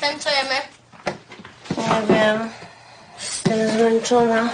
Zatem co jemy? Nie wiem. Jestem zmęczona.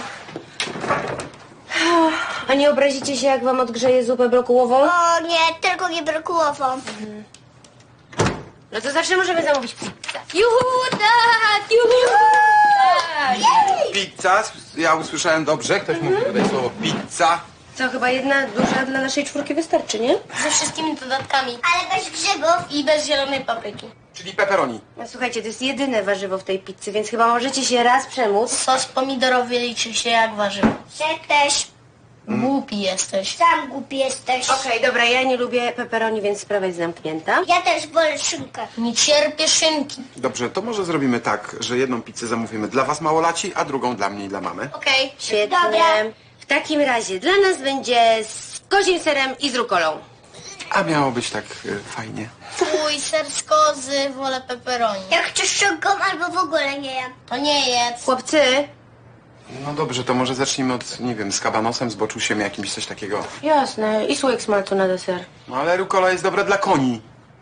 A nie obrazicie się, jak wam odgrzeję zupę brokułową? O nie, tylko nie brokułową. No to zawsze możemy zamówić pizzę. Juhu, tak! Juhu! Tak. Pizza? Ja usłyszałem dobrze. Ktoś mówi tutaj słowo pizza. Co, chyba jedna duża dla naszej czwórki wystarczy, nie? Ze wszystkimi dodatkami. Ale bez grzybów. I bez zielonej papryki. Czyli pepperoni. No słuchajcie, to jest jedyne warzywo w tej pizzy, więc chyba możecie się raz przemóc. Sos pomidorowy liczy się jak warzywo. Ty też Głupi jesteś. sam głupi jesteś. Okej, dobra, ja nie lubię pepperoni, więc sprawa jest zamknięta. Ja też wolę szynkę. Nie cierpię szynki. Dobrze, to może zrobimy tak, że jedną pizzę zamówimy dla was małolaci, a drugą dla mnie i dla mamy. Okej. Świetnie. Dobra. W takim razie dla nas będzie z kozim serem i z rukolą. A miało być tak fajnie. Fuj, ser z kozy, wolę pepperoni. Jak chcesz szynką albo w ogóle nie jem. To nie jedz. Chłopcy, No dobrze, to może zacznijmy od, nie wiem, z kabanosem, z boczusiem, jakimś coś takiego. jasne, i słoik smalcu na deser. No ale rukola jest dobra dla koni.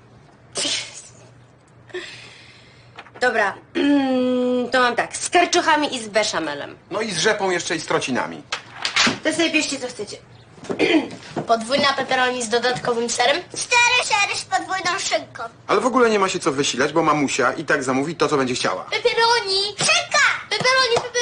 Dobra, to mam tak, z karczochami i z beszamelem. No i z rzepą jeszcze i z trocinami. To sobie bierzcie, co chcecie. Podwójna pepperoni z dodatkowym serem. 4 sery z podwójną szynką. Ale w ogóle nie ma się co wysilać, bo mamusia i tak zamówi to, co będzie chciała. Pepperoni! Szynka! Pepperoni,